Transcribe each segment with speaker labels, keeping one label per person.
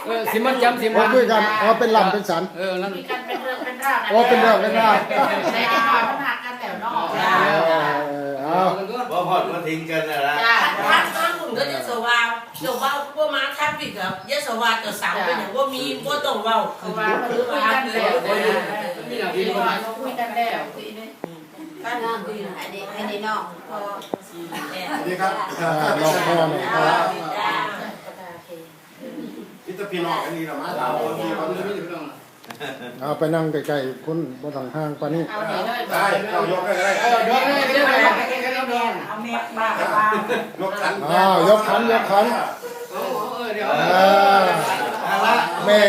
Speaker 1: สิมันจำสิ
Speaker 2: โอ้
Speaker 1: มัน
Speaker 2: คุยกันอ๋อเป็นลำเป็นสัน
Speaker 1: นั่น
Speaker 3: คุยกันเป็นเรื่องเป็นราว
Speaker 2: อ๋อเป็นเรื่องเป็นราว
Speaker 3: ในจังหวัดมันหักกันแต่นอก
Speaker 2: เอา
Speaker 4: ว่าพอดมาทิ้งกันนะนะ
Speaker 3: จ้า
Speaker 5: ท่านท่านคุณก็จะสว่างเดี๋ยวว่าพวกมาท่านปิดกับยะสว่างกับสามเป็นอย่างว่ามีว่าต้องเว้า
Speaker 3: คือว่าคุยกันแล้วคุยกันแล้วคุยนี่
Speaker 5: ท่านคุย
Speaker 3: อันนี้นอกพอ
Speaker 6: สวัสดีครับ
Speaker 2: ลองพ่อหน่อยครับ
Speaker 6: พี่ตะพี่น้องอันนี้เรามาถามว่ามีความรู้
Speaker 2: เอาไปนั่งใกล้ๆคุณบ่ต้องห่างปานนี้
Speaker 3: เอานี่เลย
Speaker 6: ได้เรายกได้ก็ได้
Speaker 1: ยกให้เรียกอะไร
Speaker 3: เอาแม่บ้าบ้าย
Speaker 6: กขัน
Speaker 2: อ้าวยกขันยกขัน
Speaker 1: เดี๋ยว
Speaker 2: แม่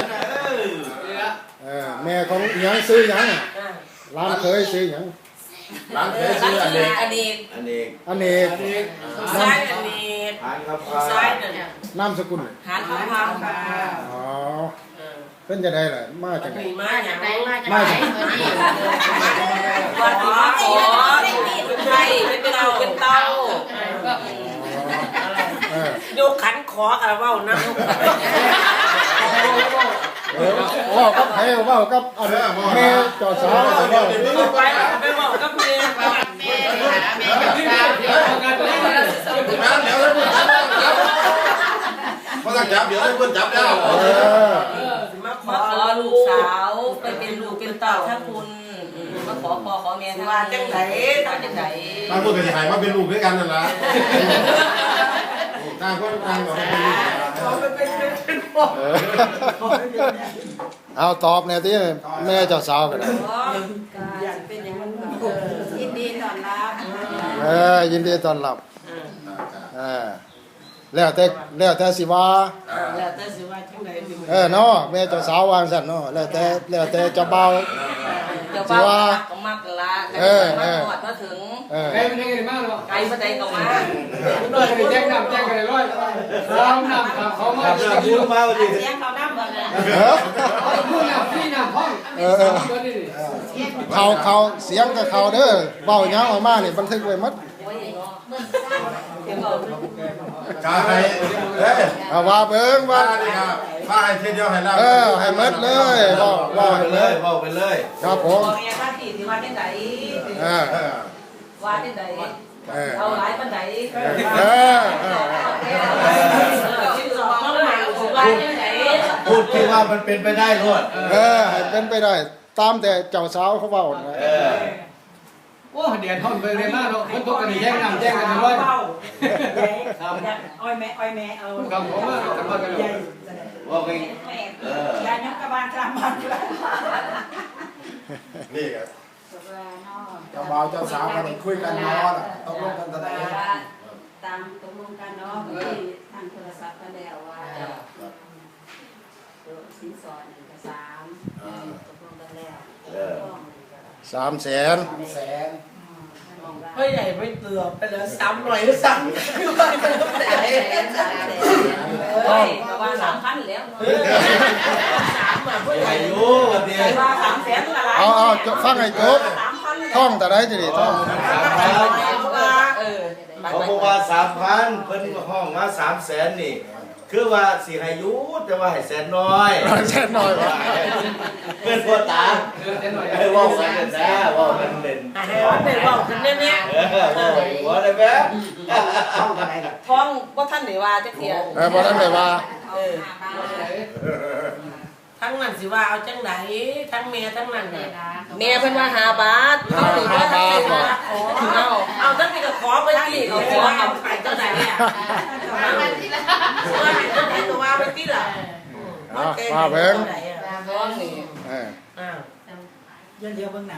Speaker 2: แม่ของหยังซื้อหยังร้านเคยซื้อหยัง
Speaker 6: หลังเคย
Speaker 5: ท่า
Speaker 6: ซื้
Speaker 5: น
Speaker 6: ออัน
Speaker 5: คือ
Speaker 6: นี้
Speaker 5: อันนี้
Speaker 4: อันนี้
Speaker 2: อเนก
Speaker 5: ซ้ายอันนี้
Speaker 4: ทานครับ
Speaker 5: ซ้ายนั่น
Speaker 2: นามสกุล
Speaker 5: หานข้าวพัง
Speaker 2: อ๋อเป็นจะได้ล่ะมาจากไหน
Speaker 5: มีมาอย่าง
Speaker 3: ไหน
Speaker 5: ไร
Speaker 3: มาจากไหนนี่
Speaker 5: วันขอเป็นไทยเป็นเราเป็นเต้า ยกขันขอกับว่านะ
Speaker 2: ว่ากับใครว่ากับอันแม่เจ้าสาวว่า
Speaker 5: ไปไปบอกกับเมีย
Speaker 3: แม่แม่กับสาว
Speaker 6: เดี๋ยวเพราะถ้าจับเดี๋ยวให้เพื่อนจับแล้ว
Speaker 5: มาขอลูกสาวไปเป็นลูกเป็นเต้าถ้าคุณมาขอพ่อขอแม่ว่าจังไหนว่าจังไหน
Speaker 6: ต่างคนก็จะหายมาเป็นลูกด้วยกันนั่นแหละต่างคนต่างก็เป็นลูก
Speaker 2: เอาตอบเนี่ยที่แม่เจ้าสาวกัน
Speaker 5: เป็นอย่างนั้น
Speaker 3: ยินดีต้อนรับ
Speaker 2: ยินดีต้อนรับแล้วแต่สิว่า
Speaker 5: แล้วแต่สิว่าจังไหน
Speaker 2: เนาะแม่เจ้าสาววางสั่นเนาะแล้วแต่เจ้าบ่าว
Speaker 5: เดี๋ยวว่าก็มักละมาหอดมาถึง
Speaker 1: ใครเป็นยังไงบ้างเนาะ
Speaker 5: ไกลมาใดก็มา
Speaker 1: น้อยแจ้งนำแจ้งกันเลยร้อยซ้ำนำขับเขามา
Speaker 4: ครับพูดมาดิ
Speaker 3: เสียงเขาดั้มบ่เนี่ย
Speaker 1: พูดนำพี่นำห้องตัวนี้
Speaker 2: เขาเสียงกับเขาเด้อเว้าหยังออกมานี่บันทึกไว้หมด
Speaker 5: โอ้ยเนาะเดี๋ยวเรา
Speaker 6: กาให้เฮ้ย
Speaker 2: เอาว่าเบิ่งว่า
Speaker 6: ว่านี่ครับว่าให้เทียเดียวให้เรา
Speaker 2: ให้หมดเลยเว้าให้หมด
Speaker 4: บอกไปเลย
Speaker 2: ครับผม
Speaker 5: บอกแม่ว่าที่ที่ว่าจังไหนว่าจังไหนเอาหลายปานใดที่สองน้องใหม่ว่าจังไหน
Speaker 4: พูดที่ว่ามันเป็นไปได้รวด
Speaker 2: ให้เป็นไปได้ตามแต่เจ้าสาวเขาเว้านะ
Speaker 1: โอ้เดี๋ยวห้องไปเลยมากเนาะคนตกกันแจ้งนำแจ้งกันเลยร้อยครับ
Speaker 3: อ้อยแม่เอา
Speaker 1: ครับผมว่าจะมากันเลย
Speaker 4: ว่าไป
Speaker 3: ยายกกระบาลจำมัน
Speaker 6: นี่ครับ
Speaker 3: เจ้าบ่าวเจ้าสาวกันคุยกันนอนตกลงกันตอนไหนตามตกลงกันเนาะที่ทางโทรศัพท์กันแล้วว่าสินสอดเอกสารตกลงกันแล้ว
Speaker 2: 300,000
Speaker 5: เฮ้ยใหญ่ไม่เตือไปแล้วซ้ำหน่อยก็ซ้ำคือว่าเป็นต้องแต่เฮ้ยว่า3,000แล้ว3อ่ะเพื่อน
Speaker 4: อายุเดียว
Speaker 5: ว่า300,000อะไร
Speaker 2: เอาฟังให้จบท่องแต่ได้จะดีท่อง
Speaker 4: เขาบอกว่า3,000เพิ่นห้องมา300,000นี่คือว่าสิให้อยู่แต่ว่าให้แสนน้อย
Speaker 2: แค่น้อยว่า
Speaker 4: เพื่อนพ่อตาให้ว่ากันนะว่ากันเล่น
Speaker 5: ให้ว่าเป็นว่าขึ้นเนี่ย
Speaker 4: ว่าได้ไหม
Speaker 5: ท้องว่าท่านไหนว่าจะเสีย
Speaker 2: บ่ทันได้ว่า
Speaker 5: ทั้งนั้นสิว่าเอาจังไหนทั้งเมียทั้งนั้นเนี่ยเมียเพิ่นว่า5 บาทเขาถือว่าเอาตั้งแต่ก็ขอไปที่เขาขอเอาไปเจ้าไหนเนี่ยว่าเจ้าไหนตัวว่าไปที่ล่ะ
Speaker 2: มาเบิ่ง
Speaker 5: ท้องนี่
Speaker 3: เดี๋ยวเบิ่งหนัง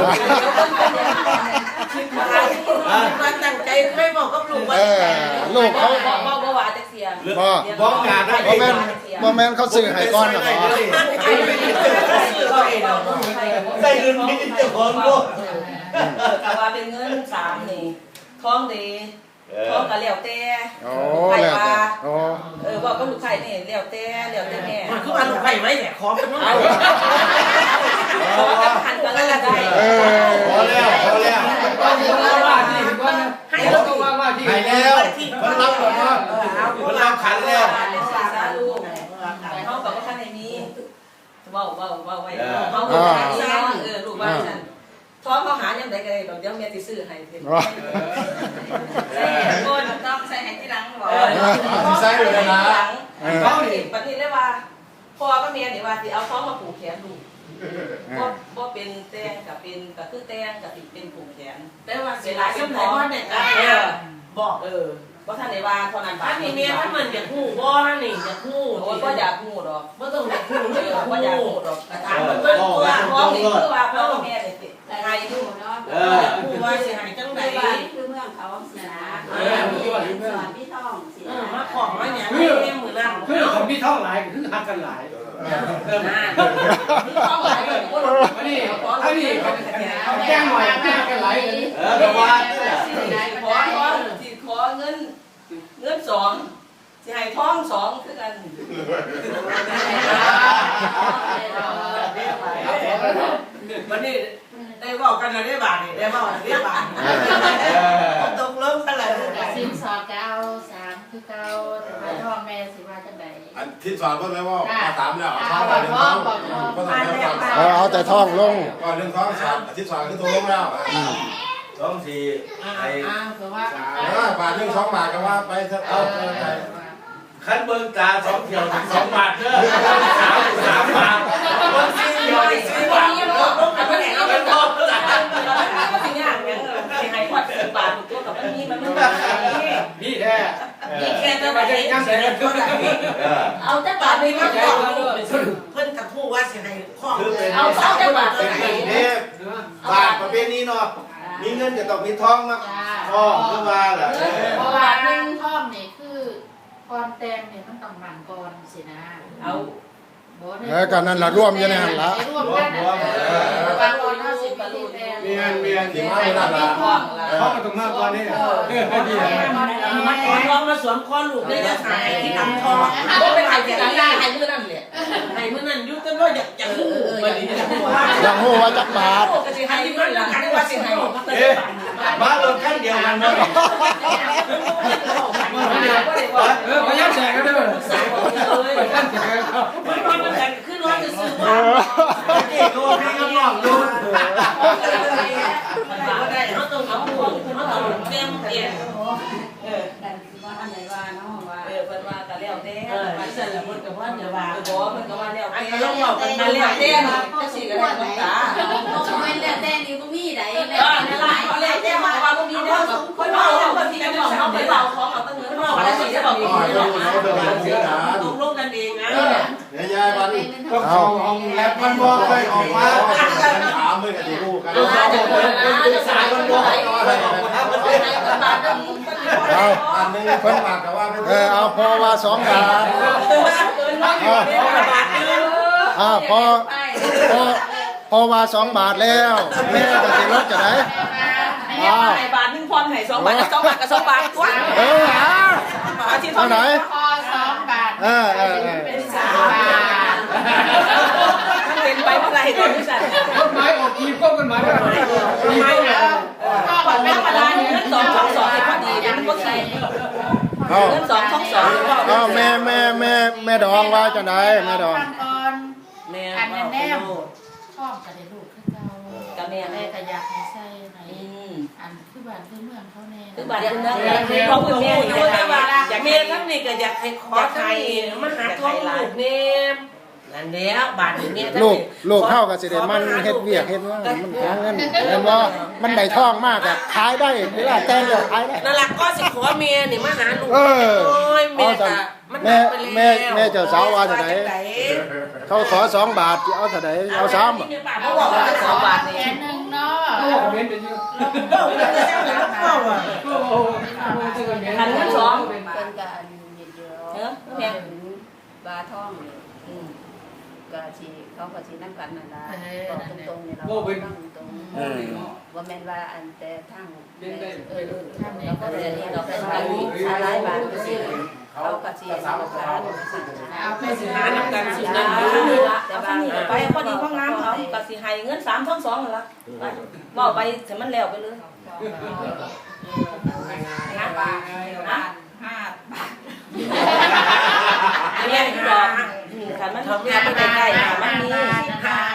Speaker 5: มาตั้งใจไม่บอกกับลูกว่า
Speaker 2: ลูกเขา
Speaker 5: บ่ว่าจะเสีย
Speaker 4: บอกงานได้
Speaker 2: บ่แม่นเขาซื้อให้ก่อนน่ะบ่
Speaker 4: ได้เงินมีเจ้าของด้วย
Speaker 5: แต่ว่าเป็นเงิน3นี่ท้องดีท้องก็แล้วแต่
Speaker 2: โอ้แล้วแต่โอ้
Speaker 5: บอกกับลูกไข่นี่แล้วแต่แม่
Speaker 3: มันคือว่าลูกไผ่ไว้แหละขอเป็นว่า
Speaker 5: ขอกับพันก็แล้วได้
Speaker 4: พอแล้ว
Speaker 1: ว่าที่ก่อนให้เราก็ว่าที่
Speaker 4: ให้แล้วมันรับหมดแล้วมันรับขันแล้ว
Speaker 5: สาธุเว้าไว้เขาก็หาซั่นลูกว่าซั่นท้องเขาหายังไดก็ได้ดอกเดี๋ยวแม่สิซื้อให้เพิ่นคนต้องใส่ให้ที่หลังบ่
Speaker 6: ใส่อยู่เลยนะ
Speaker 5: เขานี่บัดนี้เลยว่าพ่อกับแม่นี่ว่าสิเอาท้องมาผูกแขนลูกบ่เป็นแตงก็เป็นก็คือแตงก็สิเป็นผูกแขนแต่ว่าเวลาสมองเนี่ยบอกว่าท่านได้ว่าเท่านั้นบาดนี้แม่ถ้ามันอยากฮู้บ่นี่อยากฮู้บ่อยากฮู้ดอกบ่ต้องอยากฮู้เลยบ่อยากฮู้ดอกถามเพิ่นว่าท้องนี่คือว่าพ่อแม่นี่ให้ดูเนาะฮู้ว่าสิให้จังได๋
Speaker 3: คือเมืองเขาสินะมีสอนพี่ท่องสิ
Speaker 5: มาของมาหยังแม่มื้อนั้น
Speaker 1: คือคนพี่ท่องหลายคือหักกันหลาย
Speaker 5: ท้องหลายก็บ่รู้อันนี้
Speaker 1: แจ้งหน่อยแจ้งกันหลายเลย
Speaker 4: ก็ว่า
Speaker 5: ขอเงิน2สิให้ท้อง2คือกันวันนี้ได้บอกกันได้บาทนี่ได้บอกได้บาทตกลงกันแล้ว
Speaker 7: สินสอดก็เอา3คือเก่าแต่ว่าท้องแม่สิว่าจังได๋
Speaker 6: อันที่สอนเพิ่นเลยว่ามาถามแล้ว
Speaker 7: เอา
Speaker 6: ท้อง
Speaker 7: บ่
Speaker 6: เรื่อง
Speaker 7: ท้
Speaker 6: ท้
Speaker 7: อ
Speaker 6: อง ง
Speaker 7: บ่ท้อง
Speaker 6: ก็ต้องเรื่องท้อง
Speaker 2: เอาแต่ท้องลง
Speaker 6: ก่อนเรื่องท้องสามที่สอนคือตัวลงแล้ว
Speaker 4: ท้องสี่ไอ้
Speaker 7: คือว่า
Speaker 6: บาทหนึ่ง2 บาทก็ว่าไปเอาไป
Speaker 4: คันเบิ่งตา2เที่ยวถึง2 บาทเด้อ3บาทบางทีเดียวได้4 บาทต้องกับมันเอาเป็นบ่ล่ะ
Speaker 5: ก็สิยากหยังสิให้พอด10 บาทตัวกับมันมี
Speaker 1: พี่แท้
Speaker 5: นี่แค่จะไปยังสิเอาแต่บาทนี่มาขอเพิ่นกับผู้ว่าสิให้ข้อเอาแต่บาท
Speaker 4: เป็นกรุงเทพบาทประเภทนี้เนาะมีเงินก็ต้องมีทองมาทองขึ้นมาล่ะ
Speaker 7: เพราะว่านึงท้องนี่คือก่อนแต่งนี่มันต้องหมั่นก่อนสินะเอา
Speaker 2: ก็นั่นล่ะร่วมอยู่ในหั่นล่ะ
Speaker 7: ร่วมกันบางคนเฮาสิบ่รู้แต่ง
Speaker 1: เมียน
Speaker 6: ที่มาเวลาละ
Speaker 1: เขามาตรงมาก่อนนี่พี่แท้
Speaker 5: มาขอทองมาสวมคอลูกได้จะหายที่ลำทองบ่ไปถ่ายที่หลังได้ให้มื้อนั้นแหละให้มื้อนั้นอยู่แต่ว่าอยากฮู้บัดนี้
Speaker 2: อยากฮู้ว่าจักบาท
Speaker 5: ก็สิให้มื้อนั้นกันว่าสิให้
Speaker 4: บ้านรถคันเดียวกันเนาะ
Speaker 1: พยายามแจกกันเด้อ
Speaker 5: สาวเลย
Speaker 1: แจกกันครับ
Speaker 5: มันกันขึ้นรถจะซื้อมา
Speaker 4: นี่โดนพี่น้องดู
Speaker 5: ก็ได้เขาต้องเอาของเขาต้องเตรียม
Speaker 3: กันว่าอันไหนว่าเนาะว่า
Speaker 5: เพิ่นว่าก็แล้วแต่
Speaker 7: ว่าซั่นล่ะเพิ่นก็ว่าจะว่า
Speaker 5: บ่เพิ่นก็ว่าแล้วแต่ลองบอกกันมาแล้วแต่จังซี่ก็ได้น้ำตา
Speaker 3: ต้องเป็นแล้วแต่นี่บ่มีใดแล้ว
Speaker 5: นั่นล่ะเขาแล้วแต่ว่าบ่มีเด้อคนเว้าคนที่จะบอกเขาไปเว้าของเอาตั้งเงินเว้าอะไรสิจะบอกอีกตกลงกันเองนะ
Speaker 6: เนี่ยยายวัน
Speaker 1: ก็เข้าห้องแลบมันบ่เคยออกมา
Speaker 6: ถามเลยกันดีลูกกัน
Speaker 5: จะสายคนบ่ให้ออกมาบาทนึง
Speaker 2: เอา
Speaker 6: อันนึงเพิ่นบาทก็ว่า
Speaker 2: เอาพอว่า2 บาท พอว่า2 บาทแล้วแม่ก็สิลดจะได้
Speaker 5: ให้บาทนึงพรให้2 บาท2 บาทกับ2 บาทตัว
Speaker 2: เท่าไหร่
Speaker 7: พอ2 บาทเป็น3 บาท
Speaker 5: เป็นไปเมื่อไรตอนนี้สั่น
Speaker 1: กฎหมายออกทีมก็กฎหมายว่า
Speaker 5: ไม่ก็ก่อนแม่มาได้เงิน222ให้พอดีมันก็ใช่เงิน222
Speaker 2: เอาแม่ดองว่าจังได๋แม่ดอง
Speaker 5: แม่
Speaker 7: อันนั้นแน่ชอบก็ได้ลูกคือเก่า
Speaker 5: กับแม่
Speaker 7: แม่ก็อยากให้ใส่ไหนอันคือบ้านคือเมืองเขาแน่
Speaker 5: คือบาทเงินเพราะคุณแม่อยู่ด้วยว่าอยากแม่ทั้งนี้ก็อยากให้ขอไทยมาหาทองลูกแม่นั่นแล้วบาทนี้
Speaker 2: ลูกเข้าก็สิได้มันเฮ็ดเวียกเฮ็ดว่ามันหาเงินเห็นบ่มันได้ทองมากอ่ะขายได้เวลาแต่งก็ขายได้
Speaker 5: นั่นล่ะก็สิขอแม่นี่มาหาลูกแม่ก็มัน
Speaker 2: แม่เจ้าสาวว่าจังได๋เขาขอ2 บาทเอาเท่าใดเอา3บ่
Speaker 5: เขาบอกว่า2 บาทนี่
Speaker 7: แค่นึงเนาะ
Speaker 1: เขาบอกเม้นเป็นอยู่
Speaker 5: อันนั้น2
Speaker 3: เพิ่นก็อันนี้เดียวแม่บาท่องก็สิเขาก็สินำกันนั่นล่ะบอกตรงๆนี่เราตรงว่าแม่นว่าอันแต่ทั้งเราก็เลยเราเป็นไปหลายบาทก็สิเขาก็สิเอาการ
Speaker 7: เอาไปสิ
Speaker 5: หานํกันสินั่นแต่บางไปพอดีพองามเขาก็สิให้เงิน3ทั้ง2นั่นล่ะเว้าไปให้มันแล้วไปเลย5 บาท5 บาทอันนี้ดอกคันมันทำงานไปใกล้ๆมันมี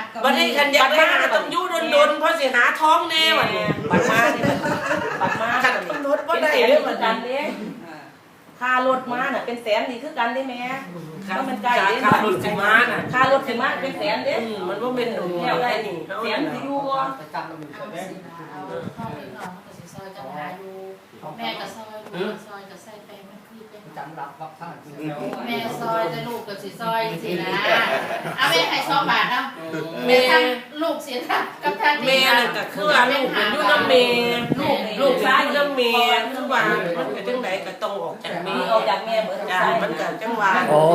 Speaker 5: วันนี้คันอยากไปหาต้องอยู่ดนๆเพราะสิหาท้องแน่วันนี้บัดมานี่บัดมาคันรถบ่ได้เด้อมันกันเด้ค่ารถมาน่ะเป็นแสนนี่คือกันได้แม่ก็มันใกล้เด้ค่ารถสิมาน่ะค่ารถสิมาเป็นแสนเด้มันบ่เป็นแนวได้นี่แสนสิอยู่บ่
Speaker 1: ประจำมัน
Speaker 7: เอาสินะเอาข้าวเล็กน้อยมันก็สิซอยจังหาอยู่แม่ก็ซอยลูกก็ซอยก็ใส่แป้งมันคือเป็น
Speaker 1: จำรับท่าน
Speaker 7: แม่ซอยแต่ลูกก็สิซอยสินะเอาแม่ให้2 บาทเอา
Speaker 5: แม่
Speaker 7: ทำลูกเสียทางกับทาง
Speaker 5: แม่นั่นก็คือว่าลูกมันอยู่นำแม่ลูกซ้ายอยู่นำแม่คือว่ามันก็จังไดก็ต้องออกจากแม่ออกจากแม่เหมือนกันมันก็จังว่า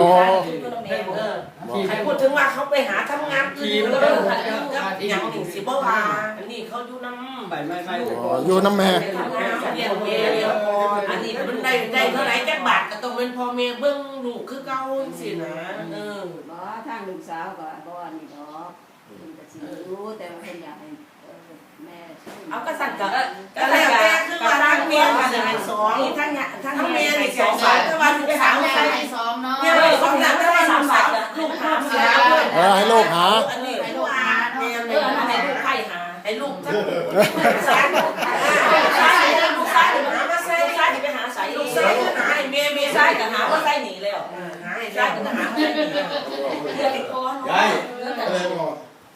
Speaker 5: ให้พูดถึงว่าเขาไปหาทำงานอื่นแล้วอย่างนี้สิบ่ว่าอันนี้เขาอยู่นำ
Speaker 1: ไม่
Speaker 2: อยู่น้ำแม่
Speaker 5: ทำงานเรียนแม่เรียนพออันนี้มันได้เท่าไหร่จักบาทก็ต้องเป็นพ่อแม่เบิ่งลูกคือเก่าสินะ
Speaker 3: บ่ทางลูกสาวก็บ่นี่ดอกเพิ่นก็สิรู้แต่ว่าเพิ่นอยากให้แม่
Speaker 5: เอาก็สั่นก็แล้วแต่คือว่าทางเมียมันให้2ทั้งแม่นี่2บาทแต่ว่าลูกสาว
Speaker 7: แม่
Speaker 5: ให้
Speaker 7: ให้2เนาะ
Speaker 5: เนี่ยให้2บาทแต่ว่า3บาทลูกหาเสีย
Speaker 2: ให้ลูกหา
Speaker 5: อันนี้ให้ลูกหาแม่ให้ลูกไข่หาให้ลูกทั้งสายลูกสายหามาใส่สายไปหาสายลูกสายหาให้แม่สายก็หาว่าใส่หนีแล้วหาให้สายก็หาใส่หนีเรียกก่อน
Speaker 6: ยายอะไรบอก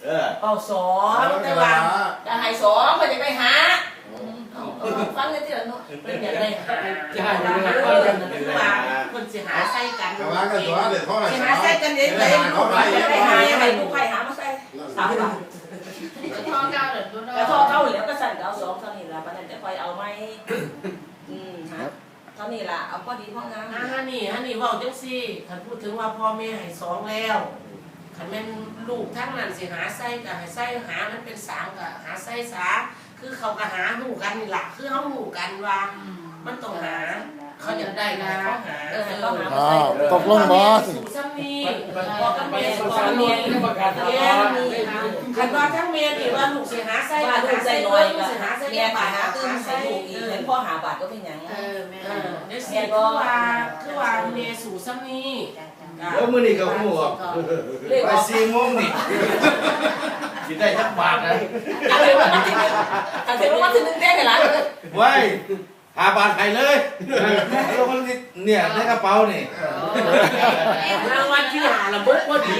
Speaker 5: เอา2แต่ว่าจะให้2ก็จะไปหาฟังได้ที่ละเนาะเป็นอย่างไรจะหาอย่างไรคือว่าคนสิหาใส่กัน
Speaker 6: แต่ว่ากันตัวเด็ดเท่าไหร่
Speaker 5: สิหาใส่กันเองเลยลูกไปหาให้ลูกไข่หามาใส่3 บาท
Speaker 7: ทอเก้าเดือนตัวเนาะ
Speaker 5: กระทอเท่าแล้วก็สั่นก็เอา2เท่านี้ละปานนั้นจะค่อยเอาไหมฮะเท่านี้ละเอาพอดีพองามฮะนี่เว้าจังซี่คันพูดถึงว่าพ่อแม่ให้2แล้วคันแม่นลูกทั้งนั้นสิหาใส่ก็ให้ใส่หามันเป็น3ก็หาใส่ซะคือเขาก็หาฮู้กันนี่ล่ะคือเฮาฮู้กันว่ามันต้องหาเขาอยากได้ก็เขาหาเขาหา
Speaker 2: ตกลงบ่
Speaker 5: สู่ซ้ำนี่บอกกับแม่บอกกับแม่คันว่าทั้งแม่นี่ว่าลูกสิหาใส่ว่าลูกใส่น้อยก็หาใส่แม่หาตื่นใส่ลูกอีกเห็นพ่อหาบาทก็เป็นหยัง
Speaker 7: แม่
Speaker 5: เดี๋ยวสิคือว่าแม่สู่ซ้ำนี่
Speaker 4: แล้วมื้อนี้ก็ฮู้ว่าไป4 โมงนี่สิได้จักบาทนะ
Speaker 5: อะไรวะกันเสร็จแล้วว่าถึง1แต้ให้หลานเลย
Speaker 4: ไว้5 บาทให้เลยแล้วมันเนี่ยในกระเป๋านี่
Speaker 5: รางวัลที่หาระบบพอดี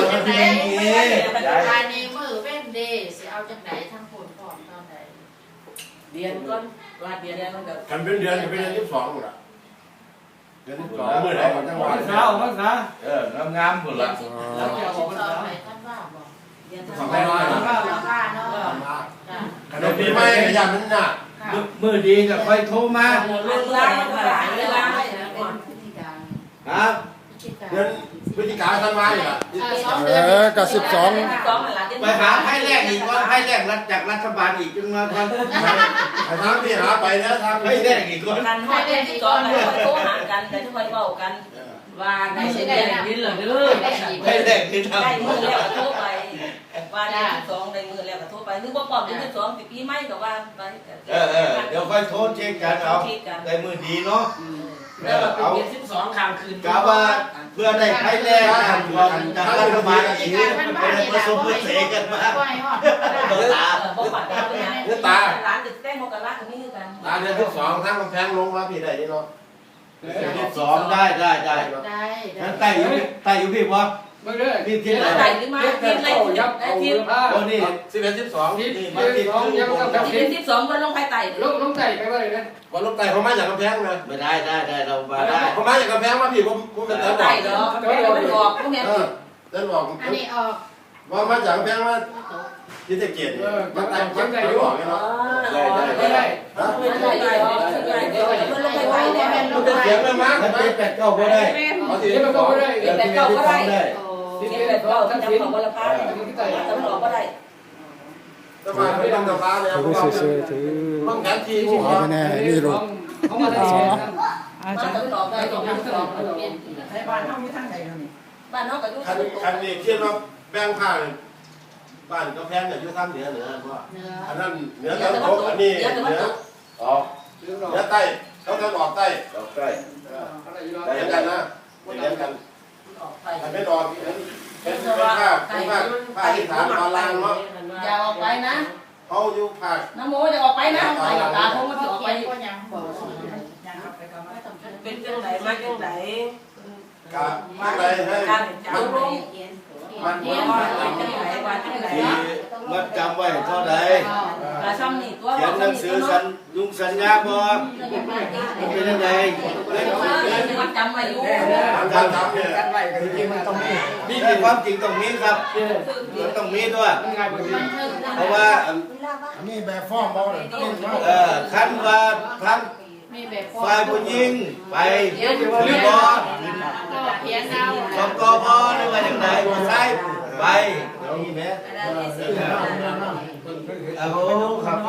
Speaker 7: ภายในมือเว้นเดย์สิเอาจังไหนทั้งผลพร้อมตอนไหน
Speaker 5: เรียนก่อนว่าเรียนมันก็
Speaker 6: กันเป็นเดือนเป็นเดือน12หมดอ่ะเดือน12มื้อไหนของจังหวัด
Speaker 1: เช้ามันซะ
Speaker 4: งามๆพุ่นล่ะ
Speaker 1: แล้วจะเอามัน
Speaker 7: ต่อ
Speaker 1: ซะ
Speaker 7: ไปท่านว่าบอก
Speaker 5: เรียน
Speaker 6: ของ
Speaker 5: ทำ
Speaker 6: แม่
Speaker 5: ไม
Speaker 6: น้อย
Speaker 7: ว่าเนาะ
Speaker 6: ขนมปีใหม่ขยันมันน่ะ
Speaker 4: มื้อดีก็ค่อยโทรมา
Speaker 5: เรื่องร้านมันก็หลายเวลา
Speaker 7: เป็นพิธีการ
Speaker 4: ครับ
Speaker 6: เดือนพฤศจิกายนธันวาเนี่ย
Speaker 7: 2 เดือน
Speaker 2: ก็12
Speaker 4: ไปหาไพ่แรกอีกก่อนไพ่แรกรัฐจากรัฐบาลอีกจนมาก่อน
Speaker 6: ไอ้ทางที่หาไปแล้วทาง
Speaker 4: ไพ่แรกอีกก่อน
Speaker 5: กันฮอดที่ก่อนแล้วโทรหากันแต่ทุกคนเว้ากันว่าได้สิได้ยินเหรอเด้อ
Speaker 4: ไพ่แรกที่ทำ
Speaker 5: ได้มือแล้วก็โทรไปว่าได้2ได้มือแล้วก็โทรไปนึกว่าปอบได้2ปีใหม่ก็ว่าไป
Speaker 4: เดี๋ยวค่อยโทรเช็คกันเอาได้มือดีเนาะ
Speaker 5: แล้วก็เป็น12ครั้งคืน
Speaker 4: กะว่าเพื่อได้ไพ่แรกกันก่อนจากรัฐบาลอีกเป็นผสมผสานกันมา
Speaker 7: ปล่อยฮอด
Speaker 4: ตา
Speaker 5: บ่ปัดเอาไปนะร้านจะแต้งโมกันละก็มีคือกัน
Speaker 6: เดือน12ทางกำแพงลงมาพี่ได้นี่เนาะ
Speaker 4: 12ได้งั้นไต่อยู่พี่บ่
Speaker 1: ไม่ได้
Speaker 4: พี่ที่ไหน
Speaker 5: ไหนหรือมาทีไหนที
Speaker 4: โอ้นี่
Speaker 6: 11 12
Speaker 1: ที่มาที่สองยังต้องทำ
Speaker 5: ที12วันลงไปไต่
Speaker 1: ลงใจไปว่าเลยนะ
Speaker 6: วันลงไต่เขามาจากกำแพงเลย
Speaker 4: ไม่ได้เรามาได้
Speaker 6: เขามาจากกำแพงมาพี่ผมเป็นเดินบอ
Speaker 5: ไต่
Speaker 6: ก
Speaker 5: เนาะไม่บอกพวกนี้
Speaker 6: เดินบอก
Speaker 7: อันนี้ออก
Speaker 6: ว่ามาจากกำแพงว่าที่ตะเกียบมันไต่บอกเนาะ
Speaker 1: ไม่ได้
Speaker 5: ไม่ได้เดี๋ยวมันลงไปไต่แล้ว
Speaker 6: มันจะเสียงมันมาก
Speaker 4: มันเป็น8 9บ่ได้
Speaker 6: เอาสิ
Speaker 1: ที่มันก็ไม่ได้
Speaker 5: เก็บแบบเก่าก็ได้
Speaker 1: ที่
Speaker 5: เก็
Speaker 1: เป็
Speaker 5: บ
Speaker 1: น
Speaker 5: แบบ
Speaker 1: ก็
Speaker 5: เก่า
Speaker 1: ทั้ง
Speaker 5: จำ
Speaker 1: สิ้น
Speaker 5: ของวันละพันจำหลอกก็ได้
Speaker 6: สบายไม่ต้องกำลังเลย
Speaker 2: ถือซื้อถือ
Speaker 6: ต้องแขนที
Speaker 2: ขอไปแน่นี่ลูก
Speaker 1: เขามาได้
Speaker 5: มาจำหลอกได้ต้องจำหลอกเปลี่ยน
Speaker 7: ให้บ้านเฮามีทางไหนนี่
Speaker 5: บ้านนอกกับยุค
Speaker 6: คันนี้คิดว่าแบ่งผ้าบ้านกำแพงอยู่ทางเหนือเพราะ
Speaker 7: เนื้อ
Speaker 6: อันนั้นเหนือตะวันตกอันนี้เหนือออกเหนือใต้เขาจะออกใต้
Speaker 4: ดอกใกล้
Speaker 6: เรียนกันนะเรียนกัน
Speaker 5: ออกไป
Speaker 6: อันไม่ออกเป็นผ้าที่ฐานตอนล่างเนาะ
Speaker 5: อย่าออกไปนะ
Speaker 6: เขาอยู่ภาค
Speaker 5: น้ำโมจะออกไปนะไปตาคงมันจะออกไป
Speaker 7: ก็ยังบอก
Speaker 5: เป็นจังไหนมาจังไหน
Speaker 6: กับอะไรให้
Speaker 5: การจับลง
Speaker 6: มัน
Speaker 5: เรียนว่าจังไหนว่าจังไหน
Speaker 4: มัดจำไว้เท่าใด
Speaker 5: กระซ้ำนี่ตัว
Speaker 4: เขียนหนังสือลุงสัญญาบ่เป็นยังไง
Speaker 5: มันจำไว้อยู่
Speaker 6: การทำเนี่ย
Speaker 1: กันไว้ก็จริงๆมันต้องมี
Speaker 4: นี่คือความจริงตรงนี้ครับมันต้องมีด้วย
Speaker 1: มันง่ายกว่านี้
Speaker 4: เพราะว่า
Speaker 2: อันนี้แบบฟ้องบ่เลยนี่ว่า
Speaker 4: ขั้นว่าทั้ง
Speaker 7: มีแบบ
Speaker 4: ฝ่ายผู้หญิงไปหรือบอ
Speaker 7: เพียงเอา
Speaker 4: สองกบหรือว่าอย่างไรใช่ไปนี่แม่โอ้โหครับ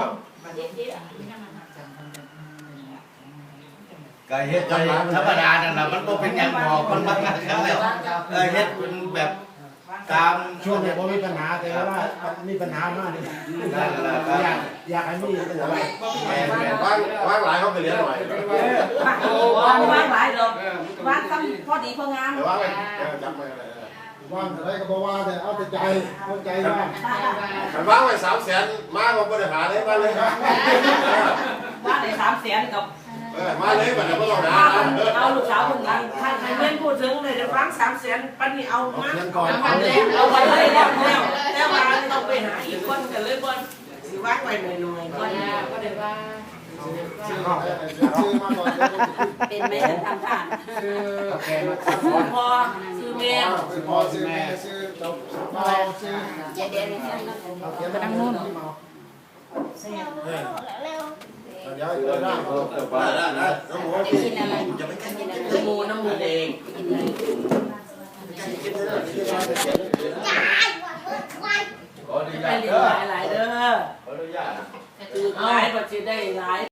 Speaker 4: ก็เฮ็ดธรรมดานั่นน่ะมันบ่เป็นหยังหอกมันมากันแล้วเฮ็ดเป็นแบบตาม
Speaker 2: ช่วงนี้บ่มีปัญหาแต่ว่ามีปัญหามากนี่อยากให้มีปัญหา
Speaker 6: ว่างหลายเขาไปเรียนหน่อย
Speaker 5: ว่างหลายดอกว่างตั้งพอดีพองาม
Speaker 6: แต่ว่าไปจำไม่อะไร
Speaker 2: ว่างอะไรก็บ่ว่าแต่เอาแต่ใจเอาใจว่า
Speaker 6: มันว่างไป300,000มาก็บริหารเลยมาเลยครับ
Speaker 5: ว่าได้300,000กับ
Speaker 6: มาเลยแบบนี้ไม่ต้องหา
Speaker 5: เอาลูกสาวคนนั้นถ้าใครเล่นพูดถึงเลยจะฟัง300,000ปันนี้เอามา
Speaker 2: เงินก่อน
Speaker 5: เอาไปเลยแล้วแต่ว่าต้องไปหาอีกคนกันเลยบ่สิว่างไปหน่อยๆก่อน
Speaker 7: ก็เลยว่า
Speaker 2: ซื้อมาก่อน
Speaker 3: เป็นแม่ทำทาน
Speaker 1: คือแกมา
Speaker 5: พอซื้อแม่
Speaker 2: ซื้อพ่อซื้อแม่ซื้อจบพ่อซื้อ
Speaker 3: เดี๋ยวเดี๋ยวนี้
Speaker 2: เขียนไปนั่งนู่นเดี๋ยวเดี๋ยวได้
Speaker 6: น้องหมู
Speaker 3: จะกินอะไรจะไม่กินอะไร
Speaker 5: น้ำมูน้ำมูเอง
Speaker 4: ขออนุ
Speaker 5: ไป
Speaker 4: ญาต
Speaker 5: เรีย
Speaker 4: เด้อน
Speaker 5: หลายๆเด้อ
Speaker 4: ขออนุญาต
Speaker 5: คือหลายปัจจัยได้หลาย